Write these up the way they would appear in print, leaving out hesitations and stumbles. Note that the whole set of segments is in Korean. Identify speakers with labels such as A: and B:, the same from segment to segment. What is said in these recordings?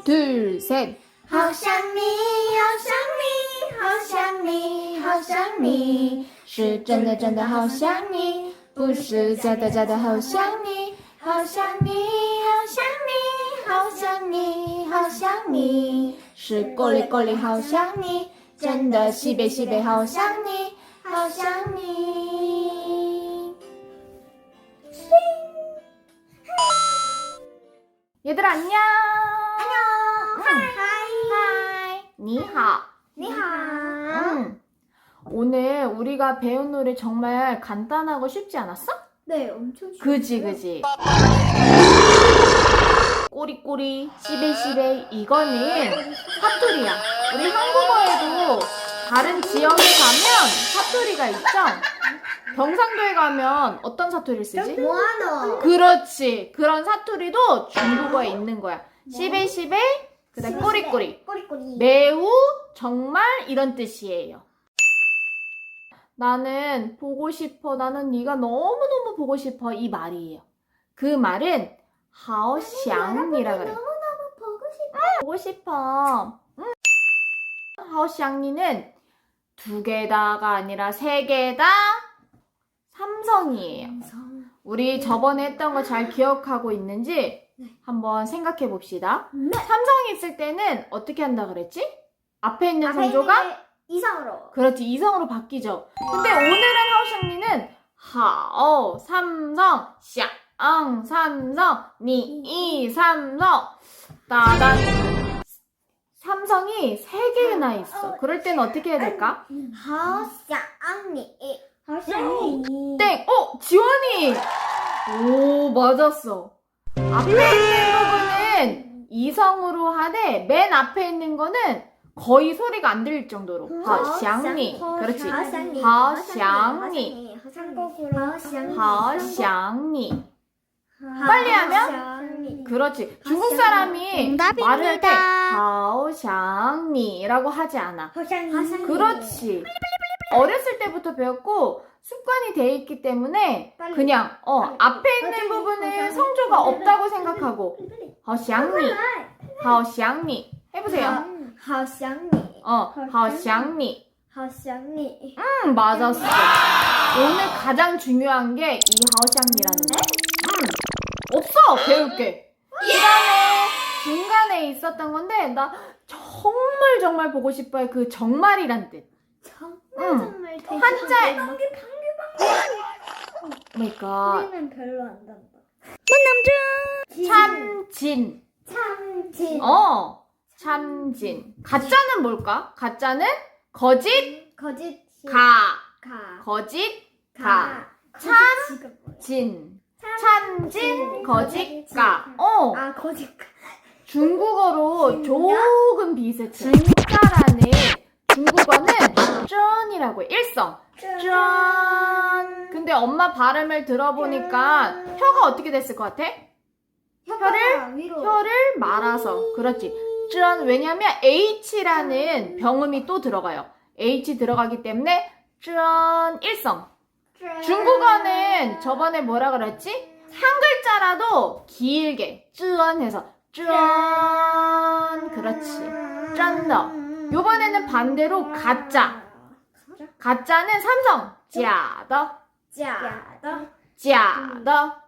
A: 둘, 셋.
B: 好想你，好想你，好想你，好想你，
A: 是真的真的好想你，不是假的假的好想你，
B: 好想你，好想你，好想你，好想你，
A: 是够力够力好想你，真的西北西北好想你，
B: 好想你。
A: 얘들아 안녕.
B: 하이.
A: 你好.
B: 你好.
A: 오늘 우리가 배운 노래 정말 간단하고 쉽지 않았어?
B: 네, 엄청 쉬워요.
A: 그지. 꼬리꼬리, 시베시베 이거는 사투리야. 우리 한국어에도 다른 지역에 가면 사투리가 있죠? 경상도에 가면 어떤 사투리를 쓰지?
B: 뭐하노?
A: 그렇지. 그런 사투리도 중국어에 있는 거야. 시베시베, 그다음 꼬리꼬리.
B: 꼬리꼬리.
A: 매우, 정말 이런 뜻이에요. 나는 보고 싶어. 나는 네가 너무너무 보고 싶어. 이 말이에요. 그 말은 하오샹이라 그래.
B: 너무너무 보고 싶어.
A: 보고 싶어. 하오샹이는 두 개다가 아니라 세 개다 삼성이에요. 우리 저번에 했던 거 잘 기억하고 있는지 한번 생각해 봅시다.
B: 네.
A: 삼성이 있을 때는 어떻게 한다 그랬지? 앞에 있는 성조가?
B: 이상으로.
A: 그렇지, 이성으로 바뀌죠. 근데 오늘은 하오샹리는 하오, 삼성, 샹, 삼성, 니, 삼성, 따단. 삼성이 세 개나 있어. 그럴 때는 어떻게 해야 될까?
B: 하오샹니. 하오샹니.
A: 땡! 지원이! 오, 맞았어. 앞에 있는 부분은 이성으로 하되 맨 앞에 있는 거는 거의 소리가 안 들릴 정도로 하오샹니. 그렇지. 하오샹니. 하오샹니. 빨리 하면? 그렇지. 중국 사람이 말을 할 때 하오샹니라고 하지 않아. 그렇지. 어렸을 때부터 배웠고 습관이 돼 있기 때문에 그냥 앞에 있는 부분은 성조가 없다고 생각하고 하오샹니, 하오샹니 해보세요.
B: 하오샹니.
A: 하오샹니.
B: 하오샹니.
A: 맞았어. 오늘 가장 중요한 게 이 하오샹니라는 거. 없어, 배울 게. 그다음에 중간에 있었던 건데 나 정말 보고 싶어요. 그 정말이란 뜻.
B: 정말
A: 한자. 오마이갓.
B: 우리는 별로 안 단다.
A: 참진.
B: 참진.
A: 참진. 가짜는 뭘까? 가짜는 거짓,
B: 거짓.
A: 거짓,
B: 참.
A: 진. 참진, 거짓가.
B: 거짓.
A: 중국어로 조금 비슷해. 진짜라는 중국어는 쩐이라고 해. 일성. 쩐. 근데 엄마 발음을 들어보니까 혀가 어떻게 됐을 것 같아? 혀를 말아서. 그렇지. 쩐. 왜냐면 H라는 병음이 또 들어가요. H 들어가기 때문에 쩐 일성. 중국어는 저번에 뭐라 그랬지? 한 글자라도 길게 쩐 해서 쩐. 그렇지. 쩐더. 요번에는 반대로 가짜. 가짜는 삼성. 짜더. 짜더.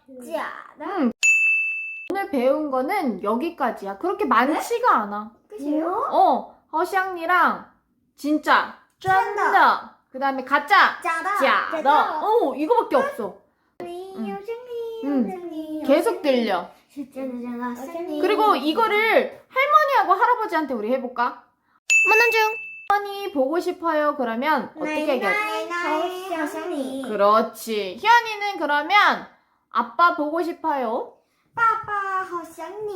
A: 오늘 배운 거는 여기까지야. 그렇게 많지가 않아.
B: 그치요?
A: 허샹리랑 진짜 쩐더. 그 다음에 가짜 짜더. 이거밖에 없어. 계속 들려. 그리고 이거를 할머니하고 할아버지한테 우리 해볼까? 할머니 보고 싶어요. 그러면 어떻게 얘기할까?
B: 하오샹니.
A: 그렇지. 희연이는 그러면 아빠 보고 싶어요.
B: 빠빠 하오샹니.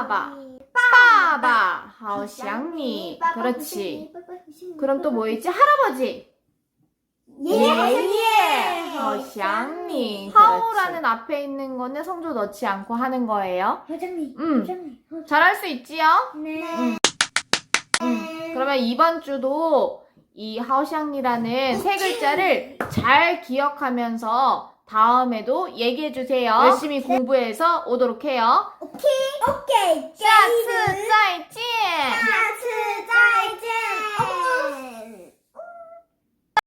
A: 빠바 하오샹니. 그렇지. 그럼 또 뭐 있지? 할아버지.
B: 예.
A: 하오샹니. 하오라는 앞에 있는 거는 성조 넣지 않고 하는 거예요.
B: 하오샹니.
A: 잘할 수 있지요?
B: 네.
A: 그러면 이번 주도 이 하오샹리라는 세 글자를 잘 기억하면서 다음에도 얘기해주세요. 열심히 공부해서 오도록 해요.
B: 오케이. 오케이.
A: 下次再见